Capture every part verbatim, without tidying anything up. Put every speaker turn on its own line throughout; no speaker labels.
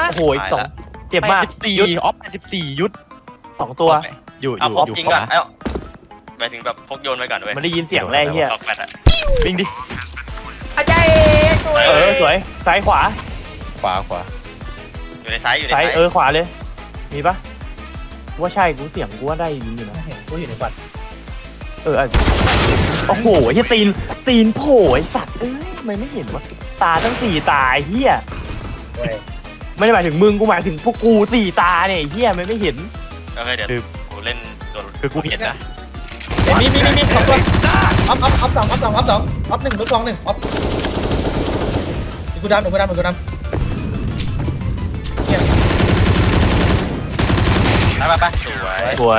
โอ้ยสองเจ็บมาก
สิบสี่
ยุด
ออฟแปดสิบสี่ยุด
สองตัว
อยู่อ
เอา
ยู่
พก
อยู่
ยิง
ข
ก่อน
วา
เอ้าหมายถึงแบบพกโยนไว้ก่อนเว้ย
มันได้ยินเสียงแรกเฮีย
ออกแฟลชอะ
วิ่งดิ
อาจารย์สวย
เออสวยซ้ายขวา
ขวาขวา
อยู่ในซ้ายอยู่ใน
ซ้าย
ซ้าย
เออขวาเลยมีปะกูว่าใช่กูเสียงกูว่าได้ยินอยู่นะ
เห็นกูอยู่ในบัตร
เออโอ้โหไอ้ตีนตีนโผล่ไอ้สัตว์เอ้ยทำไมไม่เห็นวะตาตั้งสี่ตาไอ้เฮีย
เว้ย
ไม่ได้หมายถึงมึงกูหมายถึงพวกกูสี่ตาเนี่ยไอ้เฮียมันไม่เห็น
โอเคเดี๋ยวกูเล่นตัว
คือกูเห็นนะ
เห็นมีมีมีมีสองตัวออฟออฟออฟสองออฟสองออฟสองออฟหนึ่งลูกสองหนึ่งออฟกูดำหนูกูดำหนูกูดำ
ไปไปไปสวย
สวย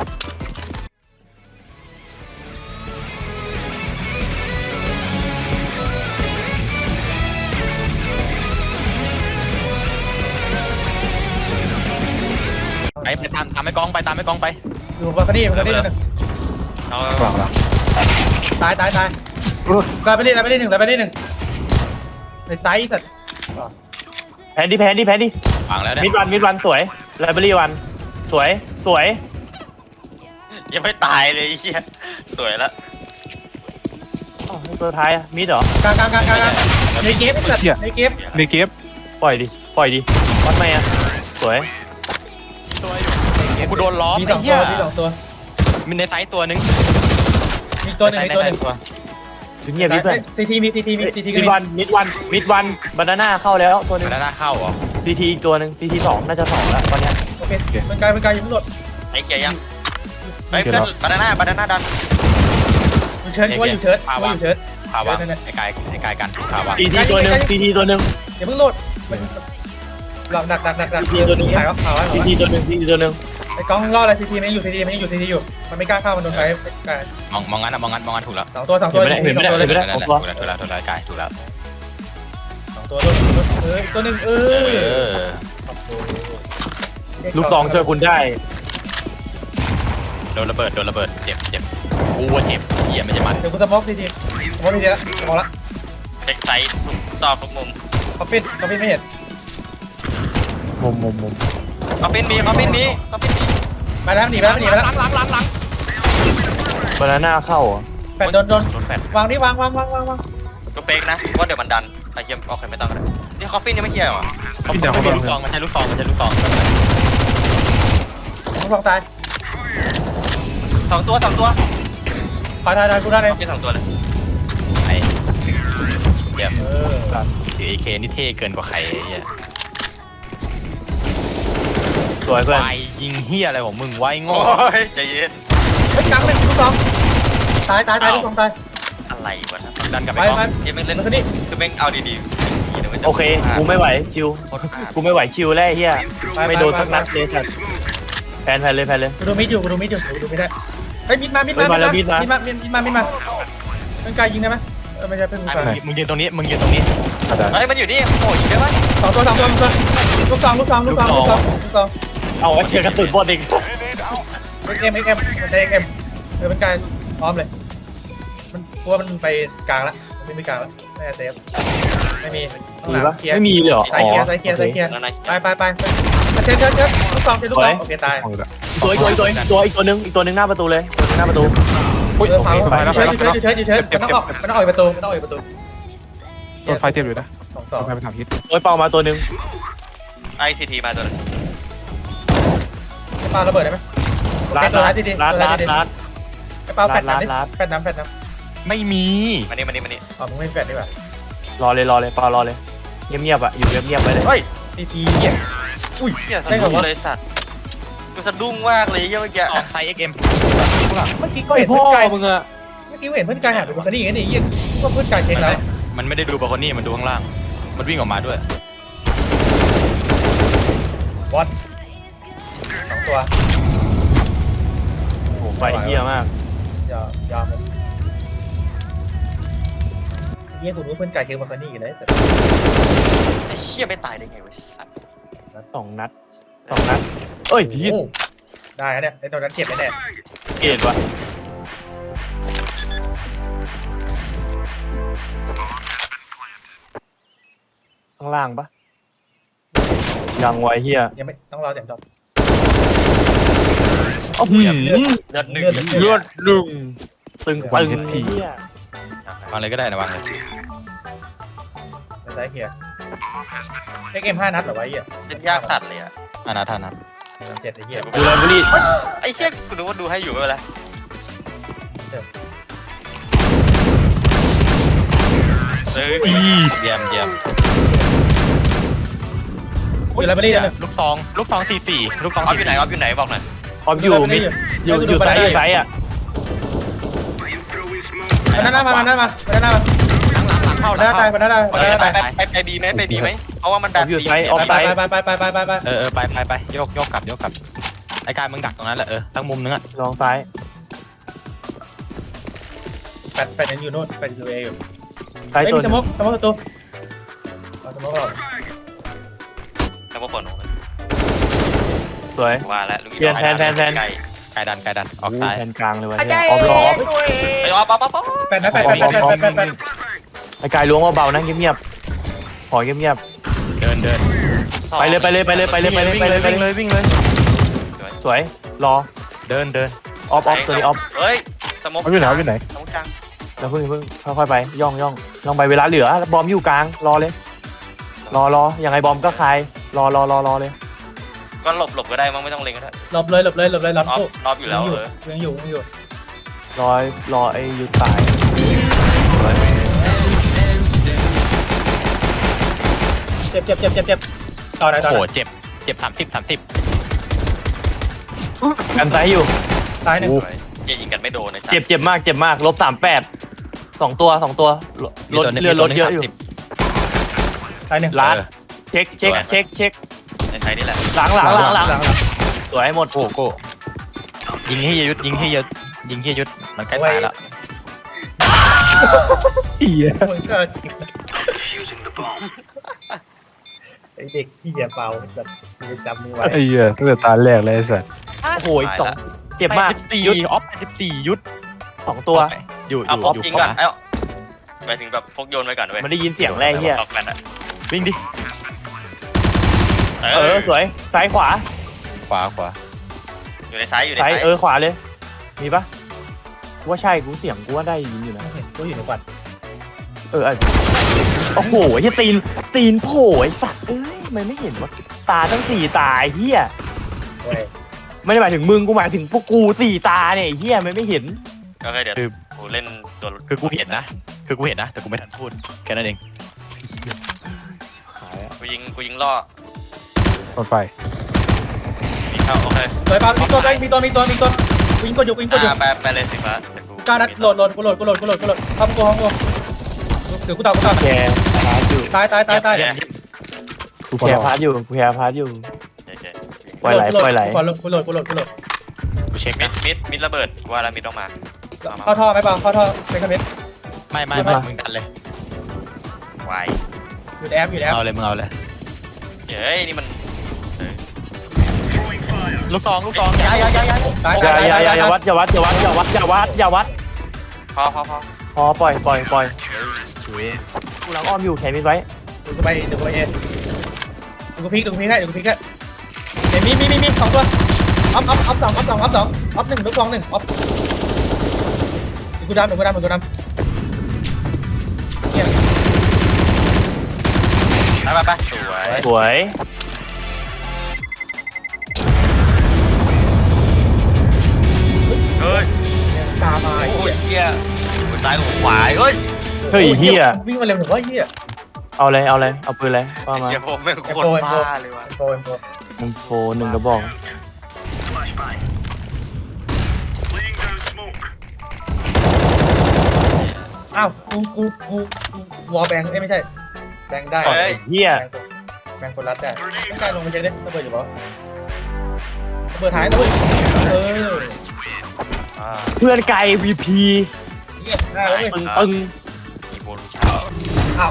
ไปไปตามตามไม่กองไปตามไม่กองไป
อยู่บัลคอนี่บัลคอนี่หนึ่ง
เอา
ขวาขวา
ตายตายตายกลายไปเล่นกลายไปเล่นหนึ่งกลายไปเล่นหนึ่งในไซส์สัตว์
แพนดิแพนดิแพนดิ
วางแล้วเนี่ย
มิดวันมิดวันสวยไลบรารีวันสวยสวย
ยังไม่ตายเลยไอ้เหี้ยสวยแล้ว
อ้าวตัวท้ายอะมิดเหรอก
ลางกลางกลางกลางในเกมไอ้สัตว์ในเกม
ในเกฟ
ปล่อยดิปล่อยดิวัดไหมอะสวย
ตัวอยู่กูโดนล้อม
มีส
ไอ้
องตั
เหี้
วย มีสองตัว
มีในไซส์ตัวหนึง
มีตัวหนึ่งมีตัวหนึ่ง
ตัว
เงียบดิเพื่อน
ทีทีมีทีทีมีทีทีก็
มิด
มี
วันมิดวันมิดวันบานาน่าเข้าแล้วตัวหนึง
แล้วหน้าเข้าเหรอ
ซีทีอีกตัวหนึ่งซีทีสองน่าจะสองแล้วตอนเนี้ย
โอเคมันกลายเป็นกลายยังไม่หลด
ไอ้เกียร์ยังเฮ้ยเพื่อนบานาน่าบานาน่าดัน
อยู่เชิร์ดว่าอยู่เชิร์ดว่าอยู่เชิร์ด
พาวางไอ้กายไอ้กายกันพาวาง
ซีทีตัวหนึ่งซีทีตัวหนึ่ง
อย่าเพิ่งโหลดหลักดักดักดักดักถ่ายว่าถ่ายว่า
ซีทีตัวหนึ่งซีทีตัวหนึ่ง
ไอ้กล้องรอดอะไรทีทีมันอยู่ทีทีมันอยู่ทีทีอยู่มันไม่กล้าเข้ามันโดนไฟ
มองมองงั้นนะมองงั้นมองงั้นถูกแล้ว
สองตัวสองตัว
เห็นไม่ได้
สอง
เห็น
ตัว
ไม่
เลย
ได้
ถูกแล้วถูกแล้วถูกแล้วกายถูกแล้ว
สองตัวเออตัวหนึ่งเอ
เอ
อ
อ
ลูกซองช่วยคุณได้
โดนระเบิดโดนระเบิดเจ็บเจ็บกูว่าเจ็บเหี้ยไม่ใช่มัน
เดี๋ยวกูสมอกทีทีสมอกทีทีละสมอกละ
เช็คไซส์ทุกซอกทุกมุม
คอฟฟินคอฟฟินไม่เห็น
มุมมุมมุม
คอฟฟินมีคอฟฟินมีคอฟฟินมี
มาแล้วหนีไปแล้วหนีไปแล้ว
หลังหลังหลังหลัง
บานาน่าเข้าเหรอ
แปดโดนโดน
โดนแฟลช
วางนี่วางวางวางวางวาง
ตัวเป๊กนะว่าเดี๋ยวมันดันไอ้เหี้ยโอเคไม่ต้องแล้วนี่คอฟฟินยังไม่เคลียร์เหรอ
เขาไม่ใช่ลูกซองมันใช่ลูกซองมันใช่ลูกซอง
สองสองตาย
สองตัวสองตัว
ขอทายทายกูได้เลย
คอฟฟินสองตัวเลย
ไอ้เยี่ยม
เออ
ถือ เอ เค นี่เท่เกินกว่าใครไอ้เหี้ย
สวยเพื่อน
ไวยิงเหี้ยอะไรของมึงไว้โง่
โอ้ยใจเย็น
เฮ้ยกลางหนึ่งลูกสองตายตายตายลูกสองตาย
อะไรวะนะ
ดันกลับ
ไป
ไปกอง
ไป
เกมไม่เล่น
มันคือนี่
คือแม่งเอาดีๆ
โอเคกูไม่ไหวชิวกูไม่ไหวชิวแล้วเฮียไม่โดนสักนัดเลยสัตว์แพนแพนเลยแพนเลย
กูดูมิดอยู่กูดูมิดอยู่กูดูไม่ได้เฮ้ยมิดมามิดมามิดมามิดมามิดมามิดมามิดมาเป็นกายยิงได้ไหมเออไม่ใช่เป็นกู
ไอ้
กาย
มึงมึงยืนตรงนี้มึงยืนตรงนี้
เฮ้ยมันอยู่นี่โอ้ยเยอะมาก
สองตัวสองตัวลูกสองลูกสองลูกสองลูกสองลูกสอง
เอาไว้เจอกระสุนบอลอีก
เอ็กเอ็มเอ็กเอ็มมันใช้เอ็กเอ็มเออเป็นกายพร้อมเลยมันตัวมันไปกลางแล้วมันไม่ไปกลางแล้วไม่เซฟไม่มี
มีปะไม่มีเลยเหรอ
ใส่เกียร์ใส่เกียร์ใส่เกียร์
แล้วนาย
ไปไปไปเชิญเชิญเชิญลูกสองเชิญลูกสองโอเคตาย
ตัวอีกตัวอีกตัวอีกตัวอีกตัวนึงอีกตัวนึงหน้าประตูเลยตัวนึงหน้าประตู
อุ้ยโอเคเชิญเชิญเชิญเชิญมันต้องออกมันต้องออกประตูมันต้องออกประตู
โดนไฟเจ็บอยู่นะ
สองส
โด
อง
นไฟเป็นสามฮิต
โอ้ยเป่ามาตัวนึง
ไอซีทีมาตัวนึง
ปาระเบิดได้ไหม
ลาด
ตัว
ลา
ร้า
ด
ยดี
ลาด
ตัว
ลา
ร้าย
ด
ดี
ลาด
ไอ้เปาแฟดน้ำดิแฟดน้ำแฟดน้
ไม่มี
มานี่มานี่มานี่
ำอ๋อมึงไม่แฟดดีกว่าร
อเลยรอเลยเป่ารอเลยเงียบๆอ่ะอยู่เงียบๆไปเลย
เฮ้ย
ทีทีเหี้ย
อุ้ยเหี้ยสะดุ้งเลยสัตว์กูสะดุ้งมากเลยเหี้ยเมื่อกี้
ออกไซส์ เอ็ก เอ็ม
เมื่อกี้ก็
ไอ
เห็น
พ่
เพื่
อ
อนกาย
มึงอะ
เมื่อกี้เห็นเพื่อนกายหันไปบนคันนี้กันนี่เหี้ยก็เพื่อนกายเช็คแล้ว
มันไม่ได้ดูบาคอนี่มันดูข้างล่างมันวิ่งออกมาด้วย
บอลสองตัว
โอ้โหไฟเหี้ยมาก
ยอมยอมเหี้ยกูรู้เพื่อนกายเช็คบนคันนี้กันเลย
ไอ้เหี้ยไม่ตายได้ไงวะสัตว์
สองนัดสองนัดเอ้ยพี
โอ้ได้เนี่ยไอ้ตัวนั้นเจ็บแน่
เกตวะข้างล่างปะยังไวเฮีย
ยังไม่ต้องรอเสียงจบ
โอ้โห
เลือดหนึ่ง
เลือดดึงตึง
วัน
ตึง
เฮดพี
เฮียว
างเลยก็ได้นะวางเลย
ในซ้ายเฮียเอ็กเอ็มห้านัดเหรอวะเฮีย
เล่นยากสัตว์เลยอ่ะ
อานาทานัท
เจ็ดไอ้เฮีย
ดูแลบุรี
ไอ้เหี้ยกูนึกว่าดูให้อยู่ไม่เป็นไร เออ
เยี่ยมเยี่ยม
อยู่ไลบรารีนั่นเลย
ลูกซองลูกซองสี่สี่ลูกซอง
ออฟอยู่ไหนออฟอยู่ไหนบอกหน่อย
ออมอยู่มิดอยู่อยู่ไซส์อยู่ไซส์อ่ะ
มาหน้ามามาหน้ามามาหน้ามา
หลังหลังเข้า
หน้าตายมาหน้าตาย
ไป
มาหน้า
ไป
ตาย
ไปไปบีไหมไปบีไหมเพราะว่ามันแบบบี
ไปไปไปไปไปไปไป
เออเออไปไปไปโยกโยกกลับโยกกลับไอ้กายมึงดักตรงนั้นแหละเออทั้งมุมนึงอ่ะ
ลองซ้าย
แปดแปดยังอยู่โน่นแปดอยู่เออยู่
ซ้าย
ไม่
ตัว
มี
ห
ส
นึ่ง
มกสมกตัวเอาสมกเรา
แล้วพวกคน
สวย
ว่าแล้วลูก
เปลี่ยนแทนแทนแทน
ไก่
กายดันกายดันออก
อู้
ซ้าย
แทนกลางเลยว่ะเฮียออมรอออฟ
ไอ้ออฟป๊อปป๊อปป๊อป
แปดนะแปดแปดแปดแปดแปดแปด
ไอ้กายล้วงเบาๆนะเงียบๆขอเงียบ
เดินเดิน
ๆไปเลยไปเลยไปเลยไปเลยไปเลยไปเลยไปเลยวิ่งเลยสวยรอ
เดินเดิน
ออฟออฟตัวนี้ออฟ
เฮ้ยสมก
เอาอยู่ไหนเอาอยู่ไหน
สมกกลาง
แล้วเพิ่งเพิ่งค่อยๆไปย่องย่องย่องไปเวลาเหลือบอมอยู่กลางรอเลย รอรอยังไงบอมก็คลายรอรอรอรอเลย
ก็หลบหลบก็ได้มั้งไม่ต้องเล็งก็ได้
หลบเลยหลบเลยหลบเลยหลบ
ออฟ
ปุ๊บ
ออฟอยู่แล้วเออ
ยังอยู่ยังอยู่
รอรอไอ้ยุทธตาย
เจ็บเจ็บเจ็บเจ็บเจ็บต่อไหนต่อ
โอ้
ไห
โห
น
เจ็บเจ็บสามสิบสามสิบ
กันซ้ายอยู่
ตายหนึ่ง
เหี้ยยิงกันไม่โดนในสัตว์
เจ็บเจ็บมากเจ็บมากลบสามแปดสองตัวสองตัวลดเรือลดเยอะอยู่
ตายหนึ่ง
ล้านเช็คเช็คเช็คเช็ค
ในไทยนี่แหละ
หลังหลังหลังหลัง
หลัง
สวยหมด
โก้โก้ยิงให้ยุดยิงให้ยุดยิงให้ยุดมันใกล้ตายแล้ว
เฮีย
มึงก็จริงไอเด็กที่เหยียบเบาแบบจะจำมือไว้
ไอ้เหี้ยตั้งแต่ตาแรกเลยไอ้สัส
โอ้โหสองเจ็บมาก
สิบสี่
ยุด
ออฟสิบสี่ยุด
สองตัว
อยู่อ
เอา
ยู่
ออฟ
อยู่
ยิง
ข
ก่อน
วา
เอ้าไปถึงแบบพกโยนไปก่อนเว้ย
มันได้ยินเสียงแรกเฮีย
ออกแฟนอะ
วิ่งดิ
เอ
เอ
อ
อสวยซ้ายขวา
ขวาขวา
อยู่ในซ้ายอยู่ใน
ซ้าย
ซ้าย
เออขวาเลย มีปะกูว่าใช่กูเสียงกูว่าได้ยินอยู่นะ
เห็นกูอยู่ในฝัน
เอออ่ะโอ้โหไอ้ตีนตีนโผล่ไอ้สัตว์เอ้ยมันไม่เห็นวะตาตั้งสี่ตาไอ้เฮีย
เว้ย
ไม่ได้หมายถึงมึงกูหมายถึงพวกกูสี่ตาเนี่ยไอ้เฮียมันไม่เห็น
โอเคเดี๋ยวกูเล่นตัว
คือกูเห็นนะคือกูเห็นนะแต่กูไม่ทันพูดแค่นั้นเอง
กูยิงกูยิงล่อ
รถไฟ
ยิงเข้าโอเค
สวยป่ะมีตัวมีตัวมีตัวมีตัววิ่งกดอยู่วิ่งกดอยู่
อ่าไปไปเลยสิฟ้าเดี๋ยวกู
ก้านัดโหลดโหลดกูโหลดกูโหลดกูโหลดกูโหลดเข้ากูเข้ากูเดี๋ยวกูตามกูตาม
แกพาร์ทอยู่
ตายตายตายตาย
เดี๋ยว
กูพ
แก
อ
พาร์ทอยู่แกพาร์ทอยู่
เดี๋ยวเดี๋ยว
ปล่อยไหลปล่อยไหล
กูโหลดกูโหลดกูโหลดกูโหลด
กูเช็ค
มิ
นะ
ดมิดมิดระเบิดว่าแล้วมิดต้องมา
เข้าท่อไหมป่าวเข้าท่อเป็นคอมเมนต์
ไม่ไม่ไม่มึงดันเลย
ไว
อยู่ในแอปอยู่ในแอป
เอาเลยมึงเอาเลย
เฮ้ยนี่มัน
ลูกซองลูกซองย้ายย้ายย้ายย้าย
ตาย
อย่า
ตาย
อย่า
ตาย
อย่าอย่าวัดอย่าวัดอย่าวัดอย่าวัดอย่าวัดอย่าวัด
พอพอพอ
พอปล่อยปล่อยปล่อยกูหลังอ้อมอยู่แขนมิดไว้
เดี๋ยวกูไปเดี๋ยวกูไปเองเดี๋ยวกูพลิกเดี๋ยวกูพลิกให้เดี๋ยวกูพลิกให้เดี๋ยวมีมีมีมีสองตัวออฟออฟออฟสองออฟสองออฟสองออฟหนึ่งลูกสองหนึ่งออฟเดี๋ยวกูดำเดี๋ยวกูดำเดี๋ยวกูดำเนี่ย
ไปไปไปสวย
สวย
เฮ้ย
ตามมาไอ้
โอ้
เหี้
ย
ย
เฮียหัวซ้ายหัวขวาเฮ้ย
เฮ้ยเฮีย
วิ่งมาเร็วถึงว่าเฮีย
เอาเลยเอาเลยเอาปืนเลยว่ามา
เฮียผมไม่งโคตรบ้าเลยว่ะ
โปรโปร
หนึ่งโฟหนึ่งกระบอก
อ้าวกูกูกูกูวอลแบงเอ้ยไม่ใช่แบงได้
เฮ้ย
เฮีย
แบงคนรัดได้ไม่ใช่ลงไปเช็คดิระเบิดอยู่ปะระเบิดท้ายระเบิดเออ
อ่า
เพื่อนไก่ วี พี
เฮียได้เลย
ตึงตึง
อีโวลูชั่น
อ้าว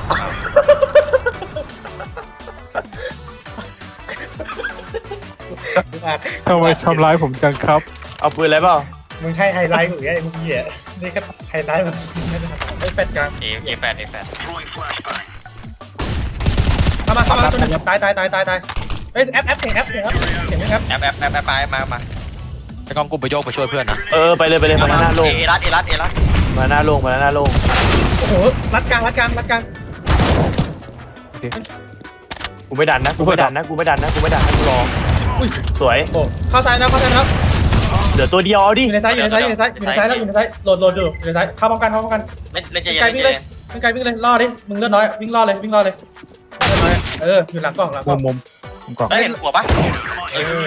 ทำไมทำร้ายผมจังครับ
เอาปืนอะไรเปล่า
มึงให้ไฮไลท์กูอย่างไอ้มึงเหี้ยนี่ก็ไฮไลท์มันไม่แฟดกลาง
เอเอแฟนเอแฟน
เข้ามาเข้ามาตัวนึงตายตายตายตายตายเฮ้ยแอปแอปเสียงแอปเสียงแอปเสียงไหมครับ
แอปแอปแอปแอปมามามา
ไอ้กองกูไปโยกไปช่วยเพื่อนนะ
เออไปเลยไปเลยมาหน้าโล่ง
เอรัสเอรัสเอรัส
มาหน้าโล่งมาหน้าโล่ง
โอ้โหรัดกลางรัดกลางรัดกลาง
กูไม่ดันนะกูไม่ดันนะกูไม่ดันนะกูไม่ดันนะกูรอ
อุ้ย
สวย
โอ้เข้าซ้ายนะเข้าซ้ายนะครับ
เหลือตัวเดียวเอาดิ
อยู่ในซ้ายอยู่ในซ้ายอยู่ในซ้ายอยู่ในซ้ายแล้วอยู่ในซ้ายโหลดโหลดอยู่อยู่ในซ้ายเข้าพร้อมกันเข้าพร้อมกัน
เล่นเล่นใจ
วิ่ง
เย็
ไกล
น
วิ่ง
ใจ
เลย
เย็น
วิ่งไกลวิ่งเลยล่อดิมึงเลือดน้อยวิ่งล่อเลยวิ่งล่อเลยเลือดน้อยเอออยู่หลังกล่องหลังก
มุ
ล่อง
มมุมมุมกล่อง
ได้เห็นหัวปะ
เออ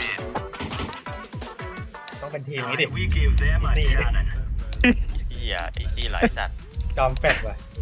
ต้องเป็นทีมนี้ดิ
ไอ้เหี้ยไอ้ซี่หลายสัตว์
จอมแปดว่ะ